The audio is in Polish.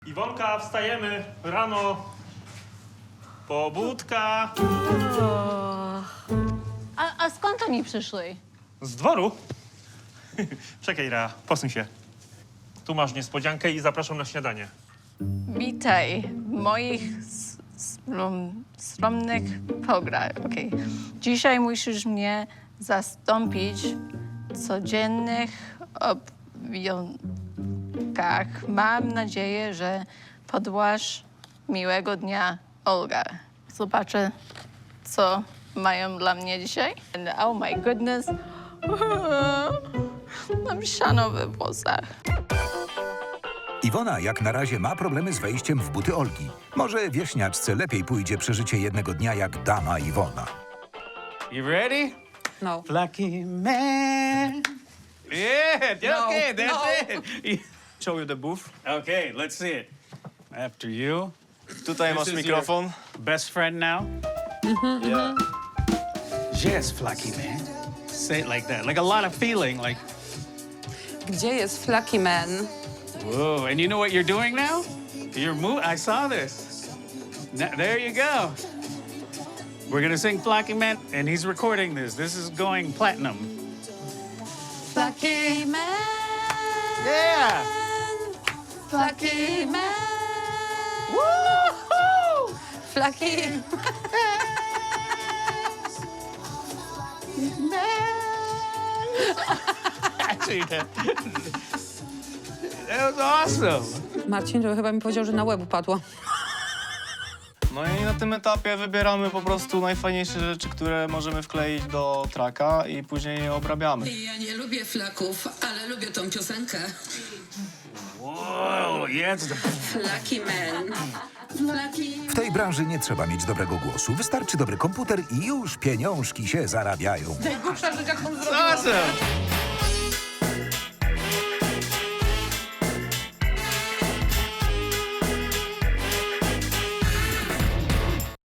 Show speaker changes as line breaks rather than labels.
Iwonka, wstajemy rano. Pobudka.
A skąd oni przyszli?
Z dworu. Czekaj, Rea, posuń się. Tu masz niespodziankę i zapraszam na śniadanie.
Witaj w moich skromnych pograch. Okay. Dzisiaj musisz mnie zastąpić w codziennych obowiązkach. Mam nadzieję, że podłasz miłego dnia, Olga. Zobaczę, co mają dla mnie dzisiaj. And oh my goodness. Mam siano we włosach.
Iwona jak na razie ma problemy z wejściem w buty Olgi. Może wieśniaczce lepiej pójdzie przeżycie jednego dnia jak dama Iwona.
You ready?
No.
Lucky man. Yeah, okay, that's it. Show you the booth. Okay, let's see it. After you.
Tutaj masz
This is
mikrofon.
your best friend now?
Yeah.
Yes, Flaky man. Say it like that, like a lot of feeling, like,
Gdzie jest Flaky Man?
whoa. And you know what you're doing now? You're I saw this. There you go. We're gonna sing Flaky Man, and he's recording this. This is going platinum.
Flaky Man!
Yeah!
Flaky Man!
Woo-hoo!
Flaky...
Actually, that was awesome.
Marcin to chyba mi powiedział, że na łeb upadło.
No i na tym etapie wybieramy po prostu najfajniejsze rzeczy, które możemy wkleić do traka i później je obrabiamy.
Ja nie lubię flaków, ale lubię tą piosenkę.
Whoa, yeah, it's the...
Flaky man. Flaky.
W tej branży nie trzeba mieć dobrego głosu. Wystarczy dobry komputer i już pieniążki się zarabiają.
Najgłupsza rzecz, jaką zrobiłam.
Awesome.